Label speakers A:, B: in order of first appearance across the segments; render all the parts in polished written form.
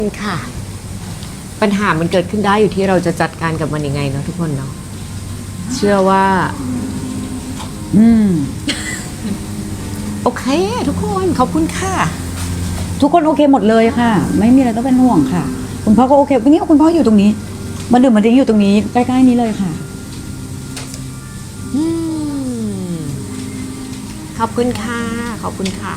A: ค่ะปัญหามันเกิดขึ้นได้อยู่ที่เราจะจัดการกับมันยังไงเนาะทุกคนเนาะเชื่อว่าโอเคทุกคนขอบคุณค่ะ
B: ทุกคนโอเคหมดเลยค่ะ ไม่มีอะไรต้องเป็นห่วงค่ะ คุณพ่อก็โอเควันนี้คุณพ่ออยู่ตรงนี้มาดื่มมาดิ้งอยู่ตรงนี้ใกล้ๆนี้เลยค่ะ
A: ขอบคุณค่ะขอบคุณค่ะ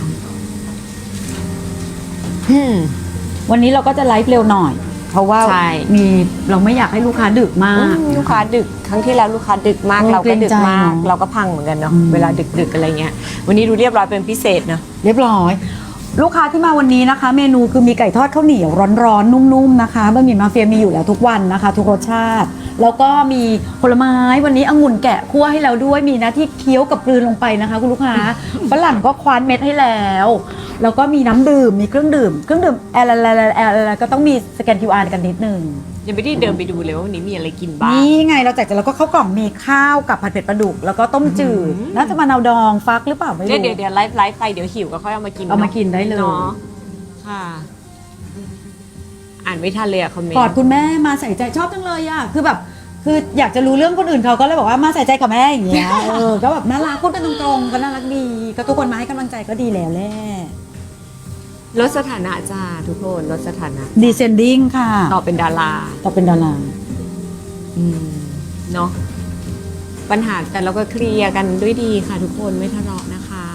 B: วันนี้เราก็จะไลฟ์เร็วหน่อยเพราะว่ามีเราไม่อยากให้ลูกค้าดึกมาก
A: ลูกค้าดึกครั้งที่แล้วลูกค้าดึกมากเราก็ดึกมากเราก็พังเหมือนกันเนาะเวลาดึกอะไรเงี้ยวันนี้ดูเรียบร้อยเป็นพิเศษเนาะ
B: เรียบร้อยลูกค้าที่มาวันนี้นะคะเมนูคือมีไก่ทอดข้าวเหนียวร้อนๆนุ่มๆนะคะบะหมี่มาเฟียมีอยู่แล้วทุกวันนะคะทุกรสชาติแล้วก็มีผลไม้วันนี้องุ่นแกะคั่วให้เราด้วยมีหน้าที่เคี้ยวกับกลืนลงไปนะคะคุณลูกค้าฝรั่งก็คว้านเม็ดให้แล้วแล้วก็มีน้ำดื่มมีเครื่องดื่มอะไรก็ต้องมีสแกน QR กันนิดนึง
A: ยังไม่ได้เดินไปดูเลยว่าวันนี้มีอะไรกินบ้าง
B: นี่ไงเราแจกแล้วก็ข้าวกล่องมีข้าวกับผัดเผ็ดปลาดุกแล้วก็ต้มจืดน่าจะมะนาวดองฟักหรือเปล่าไม่รู้
A: เดี๋ยวไลฟ์ไปเดี๋ยวหิวก็ค่อยเอามากิน
B: เอามากินได้เลย
A: เนาะค่ะอ่านไม่ทันเลยอะคอมเมนต์
B: กอดคุณแม่มาใส่ใจชอบจังเลยอะคืออยากจะรู้เรื่องคนอื่นเขาก็เลยบอกว่ามาใส่ใจกับแม่อย่างเงี้ยก็แบบน่ารักพูดกันตรงๆก็น่ารักดีก็ทุกคนมาให้กำลังใจก็ดีแล้วแหละ
A: ลดสถานะจ้าทุกคนลดสถานะ
B: descending ค่ะ
A: ต่อเป็นดาราเนาะปัญหาแต่เราก็เคลียร์กันด้วยดีค่ะทุกคนไม่ทะเลาะนะคะ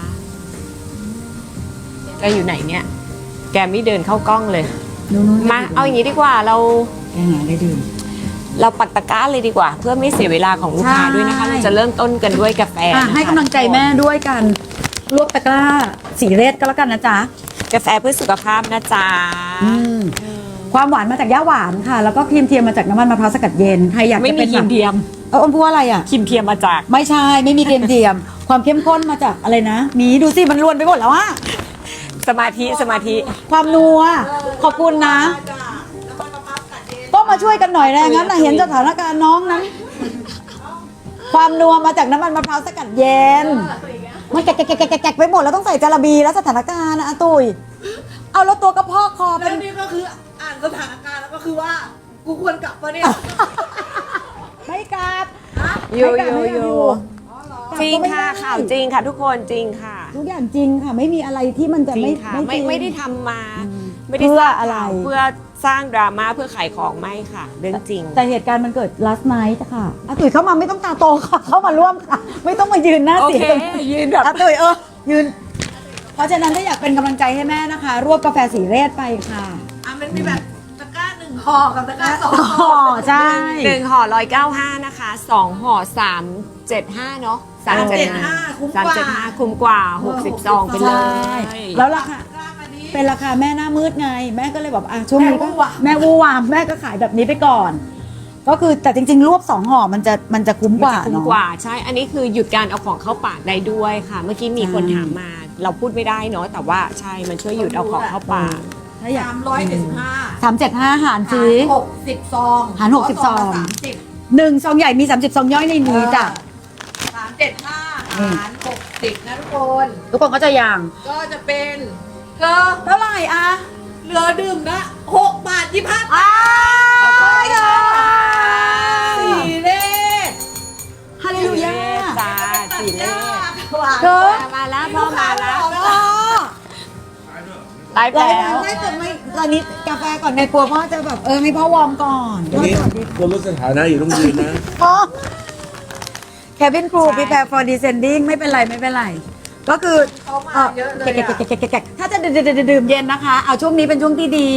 A: แกอยู่ไหนเนี่ยแกไม่เดินเข้ากล้องเลยมาเอาอย่างนี้ดีกว่าเรา
B: แกหาได้ดื่ม
A: เราปักตะกร้าเลยดีกว่าเพื่อไม่เสียเวลาของลูกค้าด้วยนะคะเราจะเริ่มต้นกันด้วยกาแฟ
B: ให้กำลังใจแม่ด้วยกันรวบตะกร้าสีเรศก็แล้วกันนะจ๊ะ
A: กาแฟเพื่อสุขภาพนะจ๊ะ
B: ความหวานมาจากย่าหวานค่ะแล้วก็ครีมเทียมมาจากน้ำมันมะพร้าวสกัดเย็นใครอยาก
A: ไม่มีครีมเทียม
B: อ้นพูดอะไรอ่ะ
A: ครีมเทียมมาจาก
B: ไม่ใช่ไม่มีครีมเทียมความเข้มข้นมาจากอะไรนะมีดูสิมันล้วนไปหมดแล้วอ่ะ
A: สมาธิ
B: ความนัวขอบคุณนะก็มาช่วยกันหน่อยนะงั้นนะเห็นสถานการณ์น้องนั้นความนัวมาจากน้ำมันมะพร้าวสกัดเย็นมันแกะไปหมดแล้วต้องใส่จาระบีแล้วสถานการณ์นะตุ้ยเอาแล้วตัวกระเพาะคอ
C: แล้วนี่ก็คืออ่านสถานการณ์แล้วก็คือว่ากูควรกลับปะเนี่ย
B: ไม่กลับ
A: อยู่จริงค่ะข่าวจริงค่ะทุกคนจริงค่ะ
B: ทุกอย่างจริงค่ะไม่มีอะไรที่มันจะ
A: ไม่ได้ทำมาไม่ได้
B: เพื่ออะไร
A: เพื่อสร้างดราม่าเพื่อขายของไม่ค่ะเรื่องจริง
B: แต่เหตุการณ์มันเกิด last night ค่ะตุ๋ยเข้ามาไม่ต้องตาโตค่ะเข้ามาร่วมค่ะไม่ต้องมายืนหน้าเสีย
A: ยืนแบบ
B: ตุ๋ยยืนเพราะฉะนั้นถ้าอยากเป็นกำลังใจให้แม่นะคะรวบกาแฟสีเรศไปค่ะ
C: มันมีแบบตะกร้า1ห่อกับตะกร้า2ห่อ
B: ใช่
A: 1ห่อ195นะคะ2ห่อ375เนาะ375คุ้มกว่า60ซองไปเลย
B: แล้วราคาเป็นราคาแม่หน้ามืดไงแม่ก็เลยแบบช่วงนี้ก็แม่วูวามแม่ก็ขายแบบนี้ไปก่อนก็คือแต่จริงๆรวบ2ห่อมันจะคุ้มกว่า
A: คุ้มกว่าใช่อันนี้คือหยุดการเอาของเข้าปากได้ด้วยค่ะเมื่อกี้มีคนถามมาเราพูดไม่ได้เนาะแต่ว่าใช่มันช่วยหยุดเอาของเข้าปาก
B: 375หารซื้อ
C: 60ซอง
B: หาร60ซอง1ซองใหญ่มี30ซองย่อยในนี้จ้ะ
C: 375หาร60นะ
B: ทุกคนก็จะอย่าง
C: ก็จะเป็น
B: เท่าไหร่อะ
C: เหลือดื่มนะ6 บาท 25 ตังค์สีเลข
B: ฮาเลลูยา
A: จ้าสีเลขมาแล้วพ่อมาแล้วไลฟ์แล้ว
B: ไม่แต่ไม่ตอนนี้กาแฟก่อนในครัวพ่อจะแบบให้พ่อวอร์มก่อน
D: วันนี้คนลดสถานะอยู่ต้องยืนนะ
B: Cabin Crew Prepare for Descending ไม่เป็นไรก็คือถ้าจะดื่มเย็นนะคะเอาช่วงนี้เป็นช่วงที่ดี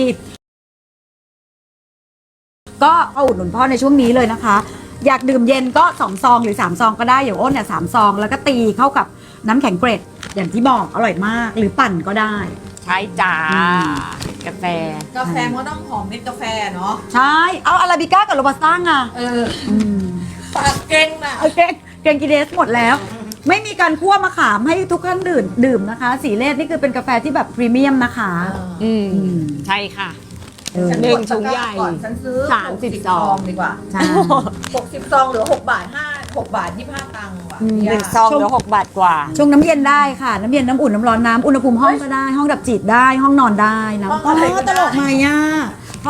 B: ก็เอาอุดหนุนพ่อในช่วงนี้เลยนะคะอยากดื่มเย็นก็2ซองหรือ3ซองก็ได้อย่างอ้นเนี่ย3ซองแล้วก็ตีเข้ากับน้ำแข็งเกรดอย่างที่บอกอร่อยมากหรือปั่นก็ได้
A: ใช่จ้ากาแฟ
C: มันก็ต้องหอมเม็ดกาแฟเนาะ
B: ใช่เอาอาราบิก้ากับโรบัสต้าไง
C: ปากเก่งนะ
B: เก่งกิเดสหมดแล้วไม่มีการคั่วมะขามให้ทุกท่านดื่มนะคะสีเลสนี่คือเป็นกาแฟที่แบบพรีเมียมนะคะ
A: ใช่ค่ะ
C: 1ถุงใหญ่ฉันซื้อ30ซองดีกว่า60ซองเหลือ6 บาท6 บาท 25 ตังค์ว่ะ
A: 1ซองเหลือ6 บาทกว่า
B: ชงน้ำเย็นได้ค่ะน้ำเย็นน้ำอุ่นน้ำร้อนน้ำอุณหภูมิห้องก็ได้ห้องดับจิตได้ห้องนอนได้นะตลกไหมอ่ะ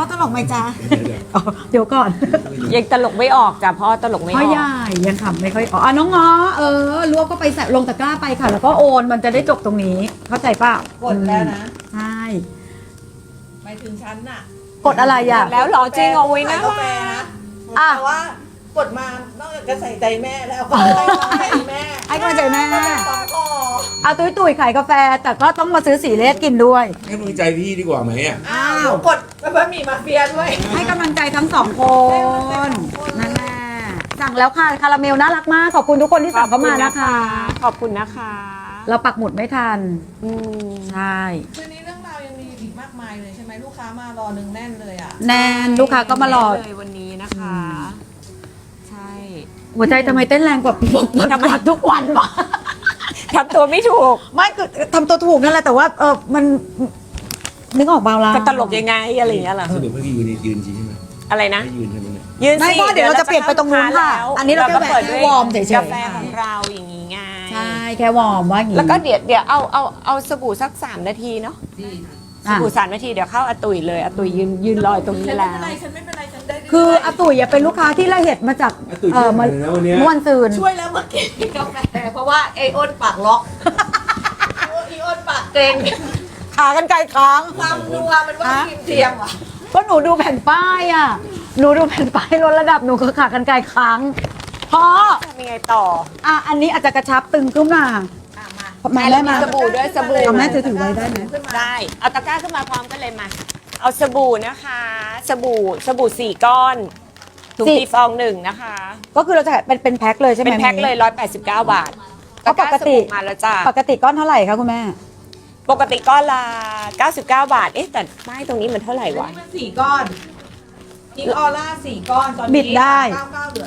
B: ตลกไหมจ๊ะอ๋อเดี๋ยวก่อน
A: ยังตลกไม่ออกจ้ะพ่อตลกไม่อ
B: พ่อ
A: อก
B: ใหญ่ยังขำไม่ค่อยออกอ่ะน้องง้อรวบก็ไปใส่ลงตะกร้าไปค่ะ แล้วก็โอนมันจะได้จบตรงนี้ เข้าใจเปล่าก
C: ดแล้วนะ
B: ใช่
C: หมายถึงฉันน่ะ
B: กดอะไรอ่ะ
A: แล้วเหรอจริงเอาไว้นะ
C: กาแฟนะ
B: อ่ะ
C: แต่ว่ากดมานอกจากจะใส่ใจแม่แล้วก็ให้แม่
B: ให้กำลังใจแม่
C: สองคอ
B: เอาตุ้ยขายกาแฟ แต่ก็ต้องมาซื้อสีเลสกินด้วย
D: ให้มึงใจพี่ดีกว่าไหมอ่ะ
C: อ้าวกดบะหมี่มาเฟียด้วย
B: ให้กำลังใจทั้งสองคนนั่นแหละสั่งแล้วค่ะคาราเมลน่ารักมาก ขอบคุณทุกคนที่สั่งเข้ามานะคะ
A: ขอบคุณนะคะ
B: เราปักหมุดไม่ทัน
A: อืม
B: ใช่
C: คืนนี้เรื่องราวยังมีอีกมากมายเลยใช่ไหมลูกค้ามารอนึงแน่นเลยอ่ะ
B: แนนลูกค้าก็มารอ
A: เลยวันนี้นะคะ ใช่
B: หัวใจทำไมเต้นแรงกว่าปกติทุกวันวะ
A: ทำตัวไม่ถูก
B: ไม่คือทำตัวถูกนั่นแหละแต่ว่ามันนึกออกเบาละ
A: จะตลกยังไงอะไรอย่างเงี้ยเหรอ
D: สรุปให้พี่ยืนจริงใช่ไหม
A: อะไรนะ
D: ให้ยืนใช่ไหมเนี่ย
A: ยืน
B: ไม่
A: สิ
B: เพราะเดี๋ยวเราจะเปลี่ยนไปตรงนู้นค่ะ
A: แล้ว
B: อันนี้เราแค่
A: ปิดด้วย
B: วอร์มเฉยๆ
A: กาแฟของเราอย่างงี้ไง
B: ใช่แค่วอร์มว่าอย่างงี้
A: แล้วก็เดี๋ยวเอาสบู่สัก3 นาทีเนาะ
C: ดี
A: สบู่3 นาทีเดี๋ยวเข้าอาตุยเลยอาตุยยืนรอยตรงนี้
C: ฉันไม่
A: แล้
C: เป็น
A: ว
C: ไรฉันไม่เป็นไรฉันได้
B: คืออาตุ๋ยเป็นลูกค้าที่ละเอียดมาจาก
D: อาตุ๋ยช่วยหน่อยนะวันเนี้ย
B: เมื่อวันซืน
C: ช่วยแล้วเมื่อกี้กาแฟเพราะว่าไออ้นปากล็อกไออ้นปากเกร็ง
B: ขากันไกลค้าง
C: ความนัวมันว่าครีมเทียมอ่ะ
B: ก็หนูดูแผ่นป้ายอ่ะหนูดูแผ่นป้ายลดระดับหนูก็ขากันไกลค้างเพราะ
A: ทำยังไงต่อ
B: อันนี้อาจจะกระชับตึงขึ้นมา
C: มา
B: มาได้มา
A: สบู่ด้วยสบู่
B: เอาแม่ถือไว้ได้ไหม
C: ขึ้นมา
A: ได้เอาตะกร้าขึ้นมาพร้อมกันเลยมา เอาสบู่นะคะ สบู่4 ก้อนถุงตีฟอง1นะคะ
B: ก็คือเราจะเป็นแพ็คเลยใช่ไหม
A: เป็นแพ็คเลย189 บาท
B: เพราะปกติ
A: สบู่มาแล้วจ้า
B: ปกติก้อนเท่าไหร่คะคุณแม่
A: ปกติก้อนละ99 บาท เอ๊ะแต่ป้ายตรงนี้มันเท่าไหร่
C: อัน
A: วะ
C: นี้มัน4 ก้อนพิงออร่า4 ก้อนตอนนี้
B: บิดได้
C: 99เหลือ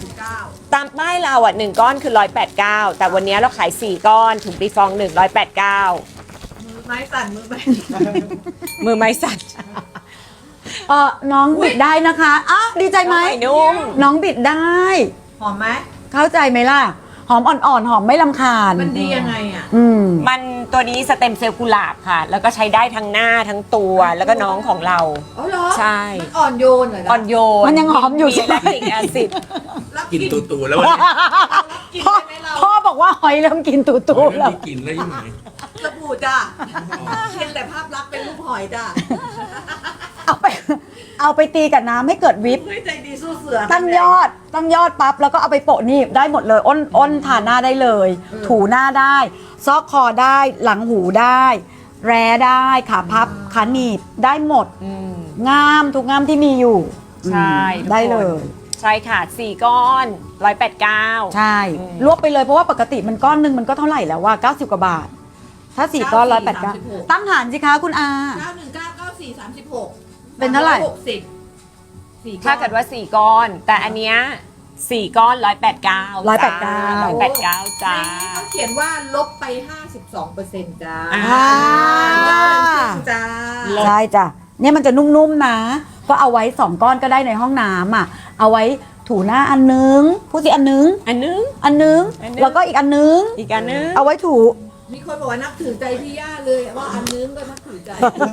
C: 189
A: ตามป้ายเราอ่ะ1 ก้อนคือ189แต่วันนี้เราขาย4 ก้อนถุงตีฟอง1 189
C: มือไม้สั่นมือไม้
A: มือไม้สั่น
B: น้องบิดได้นะคะอ้าวดีใจไหม
A: น้องใหม่นุ่ม
B: น้องบิดได้
C: หอมไหม
B: เข้าใจไหมล่ะ หอมอ่อนๆ หอมไม่ลำคาญ
C: มันดียังไงอ่ะ
B: อืม
A: มันตัวนี้สเต็มเซลล์กุหลาบค่ะ แล้วก็ใช้ได้ทั้งหน้าทั้งตัวแล้วก็น้องของเรา
C: อ๋อเหรอ
A: ใช่
C: มันอ่อนโยนเหรอ
A: อ่อนโยน
B: มันยังหอมอยู่ใช่ไหม
A: แลคติกแอซิด
C: รับ
D: กิน
C: กิน
D: ตูๆแล้ววันนี้
C: กิน
B: พ่อ
C: ได้ไหมเรา
B: พ่อบอกว่าหอยเริ่มกินตู
D: ไม่
B: ๆแล้ว
D: มีกินแล้วยังไง
C: สบู่จ้ะเพียงแต่ภาพลักษณ์เป็นรูปหอยจ้ะ
B: เอาไปตีกับน้ำให้เกิดวิป
C: เฮ้ยใจดีสู้เสือ
B: ตั้งยอดปั๊บแล้วก็เอาไปโปะนี่ได้หมดเลยอ้นทาหน้าได้เลย ถูหน้าได้ ซอกคอได้หลังหูได้ แร้ได้ขาพับขาหนีบได้หมด งามทุกงามที่มีอยู่
A: ใช่
B: อืมได้เลย
A: ใช่ค่ะ4 ก้อน189
B: ใช่รวบไปเลยเพราะว่าปกติมันก้อนหนึงมันก็เท่าไหร่แล้วว่า90 กว่าบาท ถ้า4ก้อน189ตั้งหารสิคะคุณอา
C: 9199436
B: เป็นเท่าไหร่
C: 60
A: ถ้าเกิดว่า4 ก้อน แต่อันเนี้ย4 ก้อน189 189จ้า
C: เขาเขียนว่าลบไป 52%จ้า
A: อ่า
C: จ้า
B: ใช่จ้ะเนี่ยมันจะนุ่มๆนะ ก็เอาไว้2ก้อนก็ได้ในห้องน้ำอ่ะเอาไว้ถูหน้าอันนึงพูดสิอันนึง
A: อันนึง
B: อันนึง
A: อันนึง
B: แล้วก็อีกอันนึง
A: อีกอันนึง
B: เอาไว้ถู
C: มีคนบอกว่านับถือใจพี่ย่าเลยว่าอันนึงก็นับถือใจ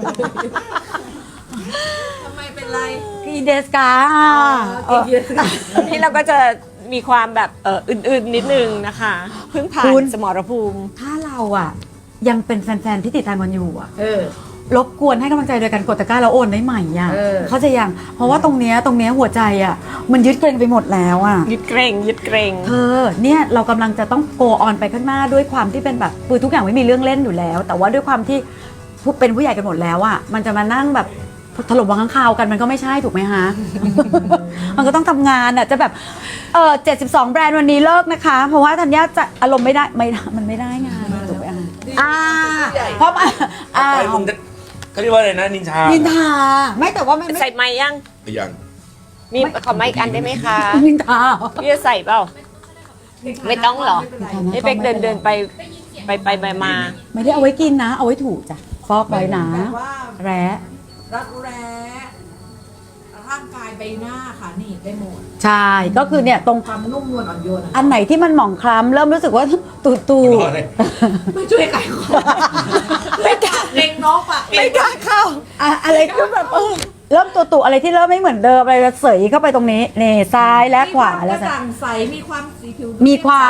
C: ทำไมเป็นไร
B: กีเดสกา
A: นี่เราก็จะมีความแบบอื่นๆนิดนึงนะคะเพิ่งผ่านสมรภูมิ
B: ถ้าเราอ่ะ ยังเป็นแฟนๆที่ติดตามกันอยู่อ่ะ
C: เออ
B: รบกวนให้กำลังใจโดยการกดตะกร้าแล้วโอนได้ใหม่อ่ะ
C: เออ
B: เขาใจะยังเพราะว่าตรงเนี้ยหัวใจอ่ะ มันยึดเกรงไปหมดแล้วอ่ะ
A: ยึดเกรง
B: เธอเนี่ยเรากำลังจะต้องโกออนไปข้างหน้าด้วยความที่เป็นแบบคือทุกอย่างไม่มีเรื่องเล่นอยู่แล้ว แต่ว่าด้วยความที่เป็นผู้ใหญ่กันหมดแล้วอ่ะมันจะมานั่งแบบถล่มวางข้างคาวกันมันก็ไม่ใช่ถูกไหมฮะ มันก็ต้องทำงานอ่ะจะแบบ72 แบรนด์วันนี้เลิกนะคะ เพราะว่าธัญญาจะอารมณ์ไม่ได้มันไม่ได้งานถูกไหมเพราะอ่า
D: ไปมึงจะเขาเรียกว่าอะไรนะนินชา
B: นินทาไม่แต่ว่าไม่
A: ใส่ไม้ยัง
D: ยัง
A: มีขอไม้อีกอันได้ไหมคะ
B: นินทา
A: พี่จะใส่เปล่า ไม่ต้องหรอ ให้เป็กเดินไปมา
B: ไม่ได้เอาไว้กินนะ เอาไว้ถูจ้ะฟอกไว้นะ
C: แบบว่า
B: แร้
C: รักแร้ร่างกายใบหน้าค่ะนี่ได้หมด
B: ใช่ก็คือเนี่ยตรง
C: ความนุ่มนวลอ่อนโยน
B: อันไหนที่มันหมองคล้ำเริ่มรู้สึกว่าตู
D: รอเลย
C: ไม่ช่วยไก่คอไม่กล้าเล็งน้องปะ
A: ไม่กล้าเข้า
B: อะไรก็แบบเริ่มตุอะไรที่เริ่มไม่เหมือนเดิมอะไรจะเสยเข้าไปตรงนี้นี่ซ้ายและขวาแล้ว
C: กระจ่างใสมีความสีผิว
B: มีความ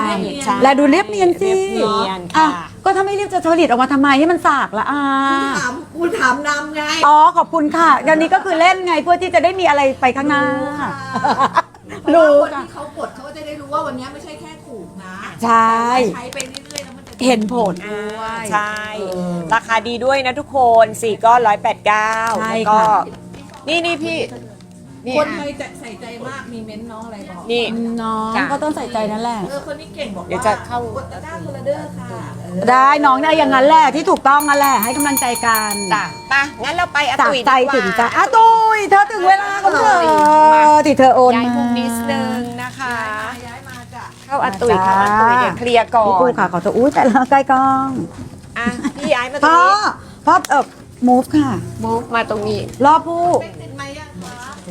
A: ใช่
B: และดูเรียบเนียนสิ
A: เรียบเนียน
B: อ่ะ
A: ค่ะ
B: ก็ถ้าไม่เรียบจะผลิตออกมาทำไมให้มันสากละ
C: คุณถามนำไง
B: อ๋อขอบคุณค่ะเดี๋ยวนี้ก็คือเล่นไงเพื่อที่จะได้มีอะไรไปข้างหน้า
C: รู้
B: รู้
C: คน
B: ค่ะ
C: ที่เขากดเขาก็จะได้รู้ว่าวันนี้ไม่ใช่แค่ถูกนะ
B: ใช่
C: แต่ว่าใช้ไปเรื่อยๆแล้วมันจะ
B: เห็นผล
A: ใช่ ราคาดีด้วยนะทุกคน4ก้อน189
B: ใช่
A: แล้วก็
B: ค่ะ
A: นี่พี่นี่
C: คนไทยจะใส่ใจมากมีเม้นต์น้องอะไรบอก
A: นี่
B: น้อง
A: จ้ะ
B: ก็ต้องใส่ใจนั่นแหละ
C: คนนี้เก่งบอก
A: เดี๋ยว
C: ว่า
A: จะเข้า
C: กดตะกร้าคนละเด้อค่ะ
B: ได้น้องได้อย่างนั้นแหละที่ถูกต้องนั่นแหละให้กำลังใจกัน
A: จ้ะไปงั้นเราไปอา
B: จาก
A: ตุย
B: ใจ
A: ดีกว่า
B: ถึงใจอ่ะตุยเธอถึงเวลาของเธอที่เธอโอน
A: ย้าย
B: มา
A: มุมนิดนึงนะคะ
C: ย้ายมาจ้ะ
A: เข้าอาตุยเข้าอาตุยเดี๋ยวเคลียร์ก่อ
B: พี่ปู
A: น
B: ค่ะขอโทษอุ้ยแต่ละใกล้กล้อง
A: อ่ะพี่ย้ายมาตร
B: พ่
A: ง
B: อ
A: นี้
B: พ่อmove ค่ะ
A: move มาตรงนี้
B: รอบผู้
C: เป็นติดไหมยังคะ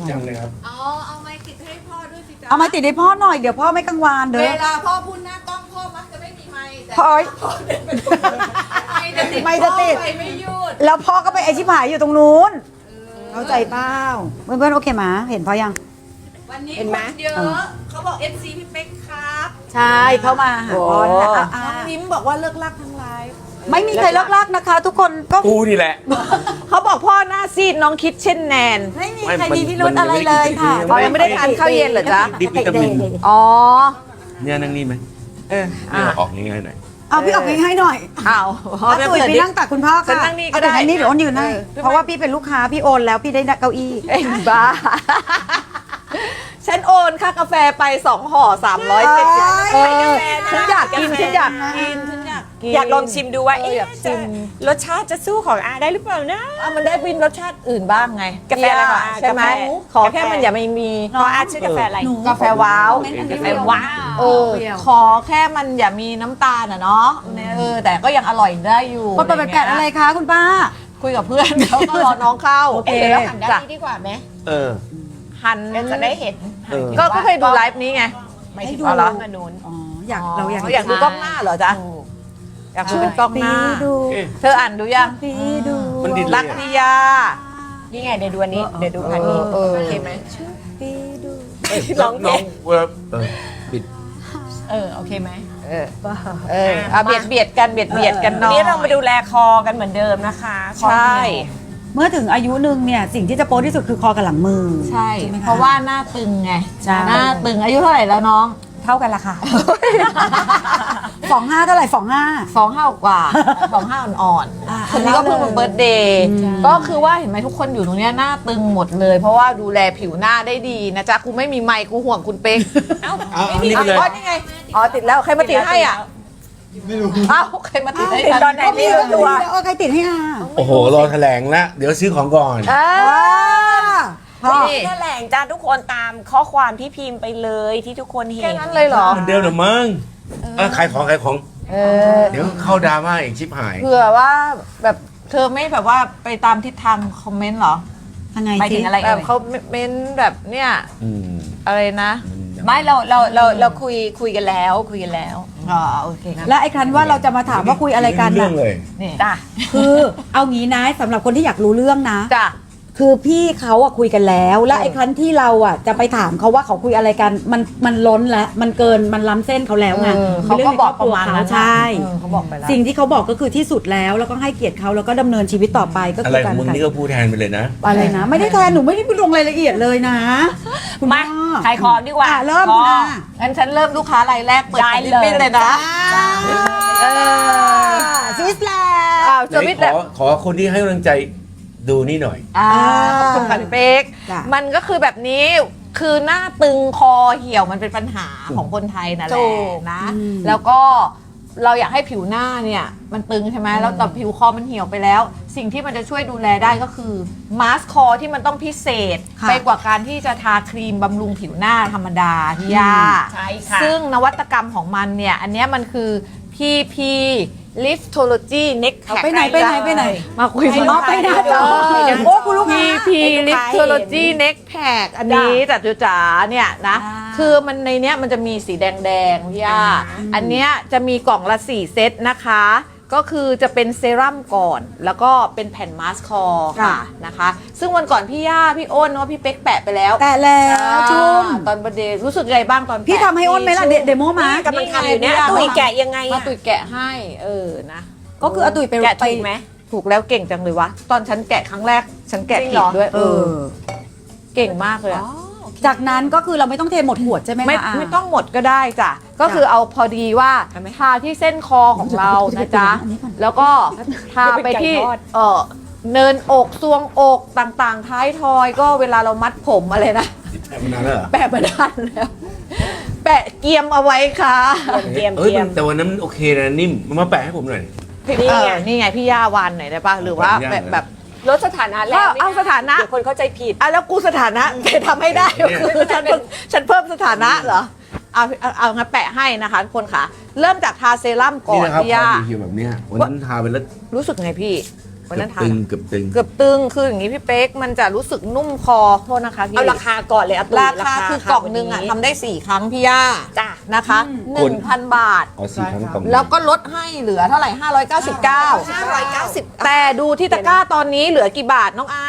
D: ยังเลยครับ
C: อ๋อเอาไม้ติดให้พ่อด้วยสิจ๊ะ
B: เอามาติดให้พ่อหน่อยเดี๋ยวพ่อไม่กังวานเด้
C: เว
B: อ
C: ลาพ่อพูดหน้ากล้องพ่อมักจะไม่มีไม้แต่
B: พ่อ
C: ไม่จะติด
B: ไม่จะติด
C: พ่อไปไม่หยุด
B: แล้วพ่อก็ไปไอชิบหายอยู่ตรงนู้นเข้าใจเปล่าเพื่อนๆโอเคไหมเห็นพ่อยัง
C: วันนี้
A: เห็น
C: ค
A: ไหม
C: นเยอะเขาบอก FC พี่เป๊กครับ
B: ใช่เข้ามาหาพ่อนะอ่ะ
C: น้องนิ้มบอกว่าเลิกลักทั้งไลฟ์
B: ไม่มีใครเลิกลากนะคะ ทุกคนก็
D: กูนี่แหละ
A: เขาบอกพ่อหน้าซีดน้องคิดเช่นแนน
B: ไม่มี
D: ไม่
B: ใคร
D: มัน
B: มีพิรุธอะไรเลยค่ะ
D: มันยังไม่ได้
A: ทานข้าวเย็นเหรอจ๊ะ
D: ดิบวิตามิน
A: อ๋อ
D: เนี่ยนั่งนี่ไหม
A: เออ
D: เนี่ยออกง่ายๆหน่อย
B: เอาพี่ออกให้หน่อย
A: อ้าว
B: เอาตุ๋ยไปนั่งตักคุณพ่อ
A: ฉัน
B: ค่ะ
A: นั่งนี่ก็ได้
B: เอาแต่นี่เดี๋ยวอ้นยืนให้
A: เออ
B: เพราะว่าพี่เป็นลูกค้าพี่โอนแล้วพี่ได้เก้าอี้
A: เอ็งบ้า ฉันโอนค่ากาแฟไป2ห่อ370
B: เออ
A: ฉันอยากกินฉันอยากกินฉันอยากกินอยากลองชิมดูว่าเอ๊ะจะรสชาติจะสู้ของอาได้หรือเปล่านะ
C: เอามันได้วินรสชาติอื่นบ้างไง
A: กาแฟอะไรของอา
C: ใช่ไหม
A: กาแฟ
C: ขอแค่มันอย่าไม่มี
A: เพราะอาชื่อกาแฟอะไร
C: กาแฟว้าว
A: กาแฟว้าว
C: เออขอแค่มันอย่ามีน้ำตาลอ่ะเนาะแต่ก็ยังอร่อยได้อยู่
B: คนเปิดแกะอะไรคะคุณป้า
C: คุยกับเพื่อนเขาก็รอน้องเข้า
B: โอเค
A: แล้วหันด้านนี้ดีกว่าไหม
D: เออ
C: หัน
A: จะได้เห็น
D: เออ
C: ก็เคยดูไลฟ์นี้ไง
A: ไม่ถึง
B: ให้ดู
A: ว่าร้านกระนุน
B: อ๋ออยากเราอยาก
C: อยากดูกล้องหน้าเหรอจ๊ะอยากดูเป็นกล้องหน้า
B: ดู
D: เอ๊ะ
C: เธออ่านดูยัง
B: พี่ดู
D: มันดิน
C: รักพิยา
A: นี่ไงเดี๋ยวดูอันนี้เดี๋ยวดูพันนี้
C: เออ
A: โอเคไหม
B: พี่ดู
A: ร้องเพลง
D: เวลาปิด
A: โอเคไหม
C: เอาเบียดกันกัน
A: วัน
C: เนาะ
A: นี้เรามาดูแลคอกันเหมือนเดิมนะคะคอ
C: ใช่
A: เหี่ยว
B: เมื่อถึงอายุหนึ่งเนี่ยสิ่งที่จะโป๊ที่สุดคือคอกับหลังมือ
C: ใช่
B: ไหมค
C: เพราะว่าหน้าตึงไง
B: ใช่
C: หน้าตึงอายุเท่าไหร่แล้วน้อง
A: เท่ากันละค่ะ
B: 25เท่าไหร่25
C: 25 กว่า 25 อ่อน
B: อ่า
C: ๆคนนี้ก็เพิ่งเป็นเบิร์ตเดย์
B: ใช่
C: ก็คือว่าเห็นไหมทุกคนอยู่ตรงเนี้ยหน้าตึงหมดเลย เพราะว่าดูแลผิวหน้าได้ดีนะจ๊ะกูไม่มีไมค์กูห่วงคุณเป๊ก
A: เอ้า
D: เอาอันนี้ไปเลย
C: อ๋อนี่ไงอ๋อติดแล้วใครมาติดให้อ่ะไม่รู้อ้าวใครมาติดให้
A: ติดตอนไหนไม่รู้ตัว
B: เอาใครติดให้อ่ะ
D: โอ้โห รอแถลงแล้วเดี๋ยวซื้อของก่อน
B: พ่อ
A: นี่แถลงจ้าทุกคนตามข้อความที่พิมพ์ไปเลยที่ทุกคนเห็น
C: แค่นั้นเลยเหรอ
D: เหมือนเดิมเหรือมั้งขายของ เดี๋ยวเข้าดราม่าอีกชิบหาย
C: เผื่อว่าแบบเธอไม่แบบว่าไปตามทิศทางคอมเมนต์เหรอ
B: ยังไง
A: หมายถึงอะไร
C: แบ
A: เอ่
C: บ
A: ย
C: เขาเมนต์แบบเนี่ย
D: อืม
C: อะไรนะ
A: ไม่เราคุยกันแล้วคุยกันแล้ว
C: อ๋อโอเคนะ
B: และไอ้ครั้นว่าเราจะมาถามว่าคุยอะไรกัน
D: เรื่
B: น่ะ
D: องเลย
C: นี่
A: จ้ะ
B: คือเอางี้นะสำหรับคนที่อยากรู้เรื่องนะ
C: จ้ะ
B: คือพี่เขาอะคุยกันแล้ว และไอ้ครั้นที่เราอะจะไปถามเขาว่าเขาคุยอะไรกันมันล้นแล้วมันเกินมันล้ำเส้นเขาแล้วไง
C: เขาก็บอกประมาณนั้น
B: ใช่
C: เขาบอกไปแล้ว
B: สิ่งที่เขาบอกก็คือที่สุดแล้วแล้วก็ให้เกียรติเขาแล้วก็ดำเนินชีวิตต่อไปก็
D: อะ
B: คื
D: ไร
B: อ
D: ข
B: กา
D: อง
B: ร
D: มึงนี่ก็พูดแทนไปเลยนะ
B: อะไรนะ ไม่ได้แทนหนูไม่ได้ไปลงรายละเอียดเลยนะคุณ
A: มา
B: พ่อ
A: ขายของดีกว่า
B: เริ่มคุณอา
C: งั้นฉันเริ่มลูกค้ารายแรกเปิด
A: ได้
C: ของ
A: เลย
C: บินเลยนะ
B: สวิสแลนด์
C: อ้าวส
D: ไหน
C: วิต
D: ขอคนที่ให้กำลังใจดูนี่หน่อย
C: ขอบคุณค่ะพี่เป๊ก
B: จ้ะ
C: มันก็คือแบบนี้คือหน้าตึงคอเหี่ยวมันเป็นปัญหาของคนไทยนั่นแห
A: ถู
C: ละ
A: ก
C: นะ แล้วก็เราอยากให้ผิวหน้าเนี่ยมันตึงใช่ไหมแล้วแต่ผิวคอมันเหี่ยวไปแล้ว สิ่งที่มันจะช่วยดูแลได้ก็คือมาสก์คอที่มันต้องพิเศษ
B: ค่ะ
C: ไปกว่าการที่จะทาครีมบำรุงผิวหน้าธรรมดาที่ยา
A: ใช่ค่ะ
C: ซึ่งนวัตกรรมของมันเนี่ย อันเนี้ยมันคือ PP Liftology Neck
B: เอา
C: Pack
B: ไปไหน
C: มาคุย
B: ไปไปหน้าจอโอ้คุณลูกค้า
C: PP Liftology Neck Pack อันนี้จัดจุจ๋าเนี่ยนะ คือมันในเนี้ยมันจะมีสีแดงๆพี่ย่าอันเนี้ยจะมีกล่องละ4 เซตนะคะก็คือจะเป็นเซรั่มก่อน แล้วก็เป็นแผ่นมาสก์คอร์ค่ะนะคะ ซึ่งวันก่อนพี่ย่าพี่อ้นว่าพี่เป๊กแปะไปแล้ว
B: แต่แล้วจุ้ม
C: ตอนประเดย์รู้สึกไงบ้างตอนแปะ
B: พี่ทำให้อ้นไหมล่ะเดโมมา
A: กำลังทำอยู่เนี่ยตุ๋ยแกะยังไง
C: มา
A: อะ
C: ตุ๋ยแกะให้นะ
B: ก็คืออาตุยไป
A: แกะถูกไหม
C: ถูกแล้วเก่งจังเลยวะ ตอนฉันแกะครั้งแรก ฉันแกะ
A: จริง
C: ผิ
A: เหร
C: ด
A: อ
C: ด้วย
B: เออ
C: เก่งมากเลยอะ
B: จากนั้นก็คือเราไม่ต้องเทหมดขวดใช่ไหม
C: ไม่
B: คะ
C: ไม่ต้องหมดก็ได้จ้ะ ก็คือเอาพอดีว่าทาที่เส้นคอของเรานะจ๊ะ
B: อันนี้ก่อน
C: แล้วก็ทาไปที่เนินอกซวงอกต่างๆ ท้ายทอยก็เวลาเรามัดผมอะไรนะ
D: แปะมานานแล้วเหรอ
C: แปะมาด้านแล้ว แปะเกียมเอาไว้ค่ะ
A: เตรียม
D: เอ้ยแต่วันนั้นมันโอเคนะนิ่มมันมาแปะให้ผมหน่อย
A: นี่ไง
C: นี่ไงพี่ย่าวานหน่อยได้ป่ะ หรือว่า
D: ขออนุญาต
C: แบบ
A: ลดสถานะแล้ว
C: เอาสถานะ
A: เดี๋ยวคนเข้าใจผิด
C: อ่ะแล้วกูสถานะจะทำให้ได้
D: เนี่ย
C: คือฉันเพิ่มสถานะเหรอเอางั้นแปะให้นะคะทุกคนค่ะ เริ่มจากทาเซรั่มก่
D: นี่
C: อน
D: นะครับ
C: พี่
D: พ
C: ย่า
D: อมีเหี่ยวแบบเนี้ยวันนั้นทาไปแล้ว
C: รู้สึกไงพี่วันนั้นทา
D: ตึงเกือบตึง
C: เกือบตึงคืออย่างนี้พี่เป๊กมันจะรู้สึกนุ่มคอโทษนะคะพี่
A: เอาราคาก่อนเลยอะตุ๋ย
C: ราคาคือกล่องหนึงอ่ะทำได้ 4 ครั้งพี่ย่า
A: จ้ะ
C: นะคะ
D: คุณ
C: 1,000 บาท
D: เอา4 ครั้งกล่อง
C: แล้วก็ลดให้เหลือเท่าไหร่ 599
A: 590
C: แต่ดูที่ตะกร้าตอนนี้เหลือกี่บาทน้องไอ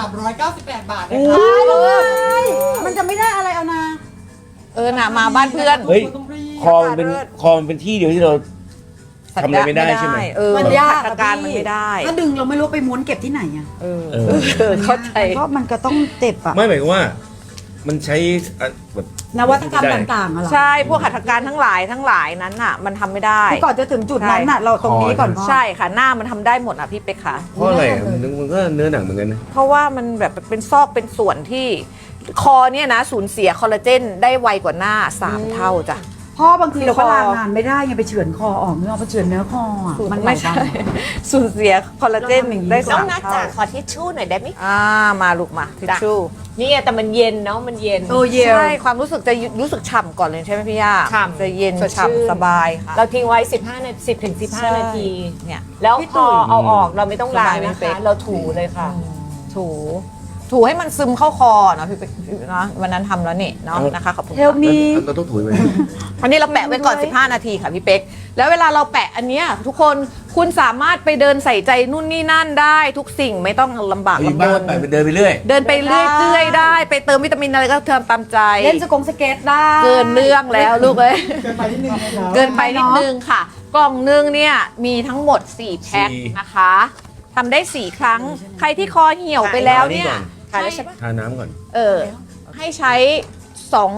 E: 398 บาท
B: มันจะไม่ได้อะไรเอานะ
C: น่ะมาบ้านเพื่อน
D: เฮ้ยคอมันเป็นที่เดียวที่เราทำอะไรไม่ได้ใช่ไหม
B: มันยาก
C: ขัดการมันไม่ได้
B: ถ้าดึงเราไม่รู้ไปม้วนเก็บที่ไหนอ่ะ
D: เออ
C: เข้าใจ
B: ก็มันก็ต้องเจ็บอ่ะ
D: ไม่หมายความว่า มันใช้แบบ
B: นวัตกรรมต่างๆอะเหรอ
C: ใช่พวกหัตถการทั้งหลายนั้นน่ะ มันทำไม่ได้
B: คือก่อนจะถึงจุดนั้นน่ะเราตรงนี้ก่อนพ่อ
C: ใช่ค่ะหน้ามันทำได้หมดอ่ะพี่เป๊กค่ะ
D: เพราะอะไรอ่ะมันก็เนื้อหนังเหมือนกันนะ
C: เพราะว่ามันแบบเป็นซอกเป็นส่วนที่คอเนี่ยนะสูญเสียคอลลาเจนได้ไวกว่าหน้า 3 เท่าจ้ะ
B: พ่อบางทีเราก็
C: คอ
B: ลางานไม่ได้ไงไปเฉือนคอออกเนื้อไปเฉือนเนื้อคออ่ะมัน
C: ไม่ใช่ สูญเสียคอลลาเจนได้
A: น้อง
C: 3
A: นัด
C: เท่า
A: จ๋าขอทิชชู่หน่อยได้ไหม
C: มาลูกมาทิชชู่
A: นี่ไงแต่มันเย็นเนาะมันเย็น
B: โอ้เยล
C: ใช่ความรู้สึกจะรู้สึกฉ่ำก่อนเลยใช่ไหมพี่ย่า
A: ฉ่ำ
C: จะเย็น
A: สดชื่น
C: ฉ่ำสบายค่ะ
A: เราทิ้งไว้ 15 นาที10 ถึง
C: ใช่
A: 15 นาที
C: เนี่ย
A: แล้ว
B: พี่
A: พ
B: ตุ๋
A: อย เอาออกเราไม่ต้องล้าง
C: สบายไหม
A: นะ
C: เป๊
A: คะ
C: ก
A: เราถูเลยค่ะ
C: ถูให้มันซึมเข้าคอเนาะพี่เป๊กนะวันนั้นทำแล้วนี่เนาะนะคะขอบคุณ
B: เฮลมี
D: เราต้องถุยไหม
C: อันนี้เราแปะไว้ก่อน 15 นาทีค่ะพี่เป๊กแล้วเวลาเราแปะอันเนี้ยทุกคนคุณสามารถไปเดินใส่ใจนู่นนี่นั่นได้ทุกสิ่งไม่ต้องลำบาก
D: เฮ้ย
C: ลำบ
D: บ้าน
C: น
D: ไปเดินไปเรื่อย
C: เดินไปเรื่อยๆได้ไปเติมวิตามินอะไรก็เติมตามใจ
B: เล่นสกเก็ตได้
C: เกินเรื่องแล้วลูกเอ้ย
E: เกินไปนิดนึงนะครับ
C: เกินไปนิดนึงค่ะ กล่องนึงเนี่ยมีทั้งหมด 4 แพ็คนะคะทำได้ 4 ครั้ง ใครที่คอเหี่ยวไปแล้วเนี่ย
A: ทานแล้วใช่ปะ
D: ทาน้ำก่อน
C: ให้ใช้2